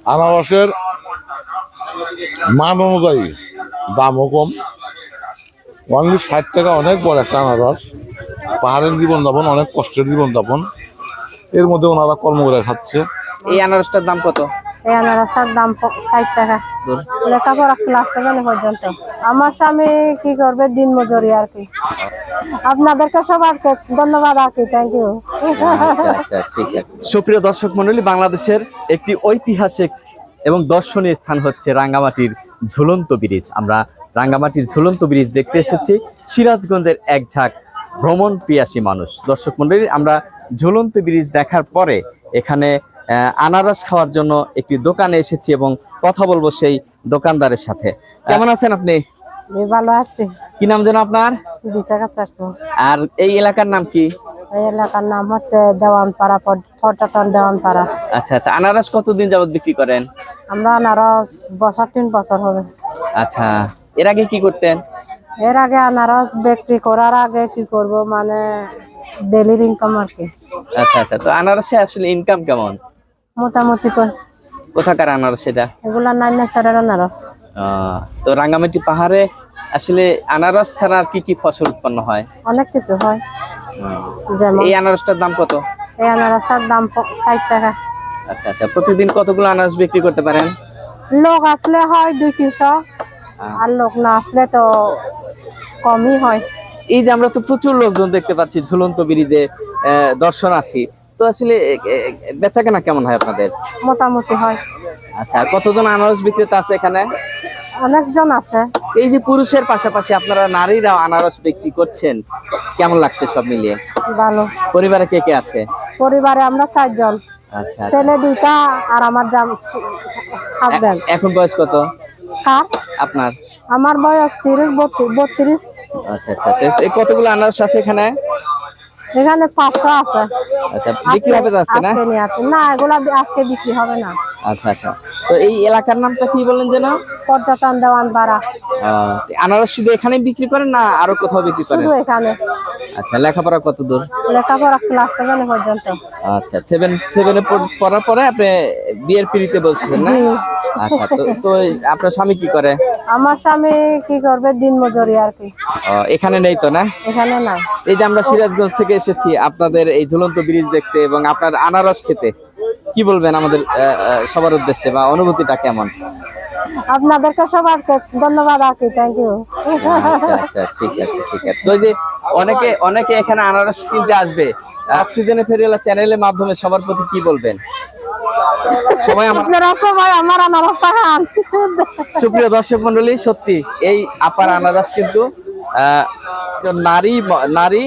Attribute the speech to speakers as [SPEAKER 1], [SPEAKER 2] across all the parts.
[SPEAKER 1] আনারসের মান অনুযায়ী দামও কম। অনলি 60 টাকা অনেক বড় একটা আনারস। পাহাড়ের জীবনযাপন, অনেক কষ্টের জীবনযাপন, এর মধ্যে ওনারা কর্ম করে খাচ্ছে।
[SPEAKER 2] এই আনারসটার দাম কত?
[SPEAKER 3] এই আনারসের দাম 60 টাকা। লেখাপড়া ক্লাস 7 পর্যন্ত। আমার স্বামী কি করবে, দিন মজুরি আর কি। আপনাদেরকে সবাইকে ধন্যবাদ আর কি, থ্যাংক ইউ।
[SPEAKER 2] আচ্ছা আচ্ছা, ঠিক আছে। সুপ্রিয় দর্শক মণ্ডলী, বাংলাদেশের একটি ঐতিহাসিক এবং দর্শনীয় স্থান হচ্ছে রাঙ্গামাটির ঝুলন্ত ব্রিজ। আমরা রাঙ্গামাটির ঝুলন্ত ব্রিজ দেখতে এসেছি। সিরাজগঞ্জের এক ঝাঁক ভ্রমণ পিয়াসী মানুষ। দর্শক মণ্ডলী, আমরা ঝুলন্ত ব্রিজ দেখার পরে এখানে আনারস খাওয়ার জন্য একটি দোকানে এসেছি এবং কথা বলবো সেই দোকানদারের সাথে। কেমন আছেন আপনি?
[SPEAKER 3] ভালো আছি।
[SPEAKER 2] কি নাম যেন আপনার?
[SPEAKER 3] বিশাখা চাকু।
[SPEAKER 2] আর এই এলাকার নাম কি?
[SPEAKER 3] এই এলাকার নাম হচ্ছে দেওয়ানপাড়া, পর্যটন দেওয়ানপাড়া।
[SPEAKER 2] আচ্ছা আচ্ছা, আনারস কতদিন যাবত বিক্রি করেন?
[SPEAKER 3] আমরা আনারস 3 বছর হবে।
[SPEAKER 2] আচ্ছা, এর আগে কি করতেন?
[SPEAKER 3] এর আগে আনারস বিক্রি করার আগে কি করব, মানে ডেইলি ইনকাম আর কি।
[SPEAKER 2] আচ্ছা আচ্ছা, তো আনারসে আসলে ইনকাম কেমন?
[SPEAKER 3] মোটামুটি
[SPEAKER 2] কোথাকার আনারস এটা?
[SPEAKER 3] এগুলা নাইনাসারের আনারস।
[SPEAKER 2] তো রাঙ্গামাটি পাহাড়ে আসলে আনারস ছাড়া আর কি কি ফসল উৎপন্ন হয়?
[SPEAKER 3] অনেক কিছু হয়। যেমন
[SPEAKER 2] এই আনারসটার দাম কত?
[SPEAKER 3] এই আনারসের দাম 60 টাকা।
[SPEAKER 2] আচ্ছা আচ্ছা, প্রতিদিন কতগুলো আনারস বিক্রি করতে পারেন?
[SPEAKER 3] লোক আসলে হয় 200-300, আর লোক না আসলে তো কমই হয়।
[SPEAKER 2] এই যে আমরা তো প্রচুর লোকজন দেখতে পাচ্ছি ঝুলন্ত ব্রিজে, দর্শনার্থী, তো আসলে বেচাকেনা কেমন হয় আপনাদের?
[SPEAKER 3] মোটামুটি হয়।
[SPEAKER 2] আচ্ছা, কতজন আনারস বিক্রেতা আছে এখানে?
[SPEAKER 3] অনেকজন আছে।
[SPEAKER 2] এই যে পুরুষের পাশাপাশি আপনারা নারীরাও আনারস বিক্রি করছেন, কেমন লাগছে সব মিলিয়ে?
[SPEAKER 3] ভালো।
[SPEAKER 2] পরিবারে কে কে আছে?
[SPEAKER 3] পরিবারে আমরা 4 জন,
[SPEAKER 2] আচ্ছা,
[SPEAKER 3] ছেলে 2টা আর আমার হাজবেন্ড।
[SPEAKER 2] এখন বয়স কত
[SPEAKER 3] কার?
[SPEAKER 2] আপনার?
[SPEAKER 3] আমার বয়স 32।
[SPEAKER 2] আচ্ছা আচ্ছা, এই কতগুলো আনারস আছে এখানে?
[SPEAKER 3] এখানে 500 আছে।
[SPEAKER 2] আচ্ছা, বিক্রি হবে তো আজকে?
[SPEAKER 3] না, এগুলা আজকে বিক্রি হবে না।
[SPEAKER 2] আচ্ছা আচ্ছা, তো এই এলাকার নামটা কি বলেন যেন?
[SPEAKER 3] পর্যটন দেওয়ানপাড়া।
[SPEAKER 2] আনারস শুধু এখানেই বিক্রি করেন না আরো কোথাও বিক্রি করেন?
[SPEAKER 3] শুধু এখানে।
[SPEAKER 2] আচ্ছা, লেখাপড়া কত দূর?
[SPEAKER 3] লেখাপড়া ক্লাস 7 পর্যন্ত।
[SPEAKER 2] আচ্ছা, 7 পড়ার পরে আপনি বিয়ের পিড়িতে বসছেন না? আচ্ছা, তো আপনার স্বামী কি করে?
[SPEAKER 3] আমার স্বামী কি করবে, দিন মজুরি আর কি।
[SPEAKER 2] এখানে নেই তো না?
[SPEAKER 3] এখানে নাই।
[SPEAKER 2] এই যে আমরা সিরাজগঞ্জ থেকে এসেছি আপনাদের এই ঝুলন্ত ব্রিজ দেখতে এবং আপনার আনারস খেতে, কি বলবেন আমাদের সবার উদ্দেশ্যে, বা অনুভূতিটা কেমন?
[SPEAKER 3] আপনাদেরকে সবাইকে ধন্যবাদ আর কি, থ্যাংক ইউ।
[SPEAKER 2] আচ্ছা আচ্ছা, ঠিক আছে ঠিক আছে। তো এই যে অনেকে এখানে আনারস কিনতে আসবে, অক্সিজেনে ফেরিওয়ালা চ্যানেলের মাধ্যমে সবার প্রতি কি বলবেন?
[SPEAKER 3] আপনারা সবাই আমার আনারস খান।
[SPEAKER 2] সুপ্রিয় দর্শক মন্ডলী, সত্যি এই আপার আনারস কিন্তু নারী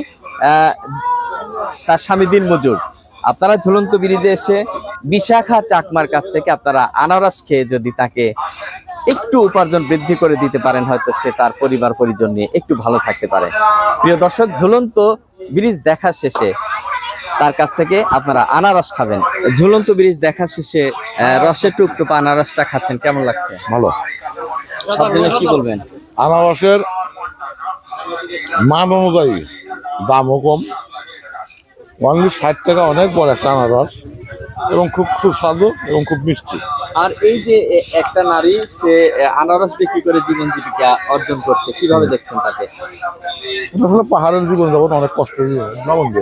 [SPEAKER 2] তার স্বামী দিন মজুর। আপনারা ঝুলন্ত ব্রিজে এসে বিশাখা চাকমার কাছ থেকে আপনারা আনারস খেয়ে যদি তাকে একটু উপার্জন বৃদ্ধি করে দিতে পারেন, হয়তো সে তার পরিবার পরিজন নিয়ে একটু ভালো থাকতে পারে। প্রিয় দর্শক, ঝুলন্ত ব্রিজ দেখা শেষে তার কাছ থেকে আপনারা আনারস খাবেন। ঝুলন্ত ব্রিজ দেখা শেষে রসের টুকটুপা আনারসটা খাচ্ছেন, কেমন লাগছে?
[SPEAKER 1] ভালো।
[SPEAKER 2] কি বলবেন?
[SPEAKER 1] আনারসের মান অনুযায়ী দামও কম। অনলি 60 টাকা অনেক বড় একটা আনারস, এবং খুব সুস্বাদু এবং খুব মিষ্টি।
[SPEAKER 2] আর এই যে একটা নারী, সে আনারস বিক্রি করে জীবন জীবিকা অর্জন করছে, কিভাবে দেখছেন তাকে?
[SPEAKER 1] আসলে পাহাড়ের জীবনযাপন অনেক কষ্টের জীবন দিন।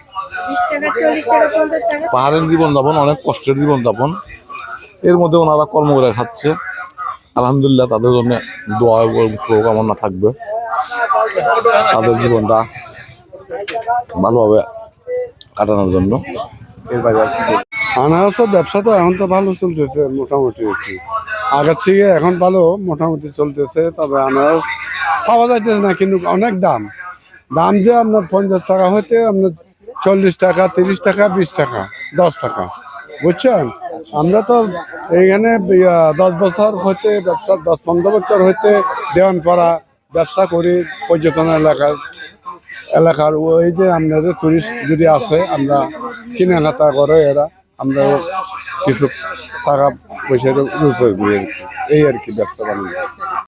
[SPEAKER 1] পাহাড়ের জীবনযাপন অনেক কষ্টের জীবনযাপন, এর মধ্যে ওনারা কর্ম করে খাচ্ছে। আলহামদুলিল্লাহ, তাদের জন্য দোয়া এবং শুভকামনা থাকবে, তাদের জীবনটা ভালোভাবে কাটানোর জন্য। এর বাইরে
[SPEAKER 4] আনারসের ব্যবসা তো এখন তো ভালো চলতেছে, মোটামুটি একটু আগের থেকে এখন ভালো মোটামুটি চলতেছে। তবে আনারস পাওয়া যাইতেছে না, কিন্তু অনেক দাম যে আপনার 50 টাকা হইতে আপনার 40 টাকা, 30 টাকা, 20 টাকা, 10 টাকা, বুঝছেন? আমরা তো এইখানে 10 বছর হইতে ব্যবসা, 10-15 বছর হইতে দেওয়ানপাড়া ব্যবসা করি। পর্যটন এলাকার ওই যে আপনাদের টুরিস্ট যদি আসে, আমরা কেনাকাটা করে এরা, আমরা কিছু টাকা পয়সা রোজগার করি, এই আর কি ব্যবসা বাণিজ্য।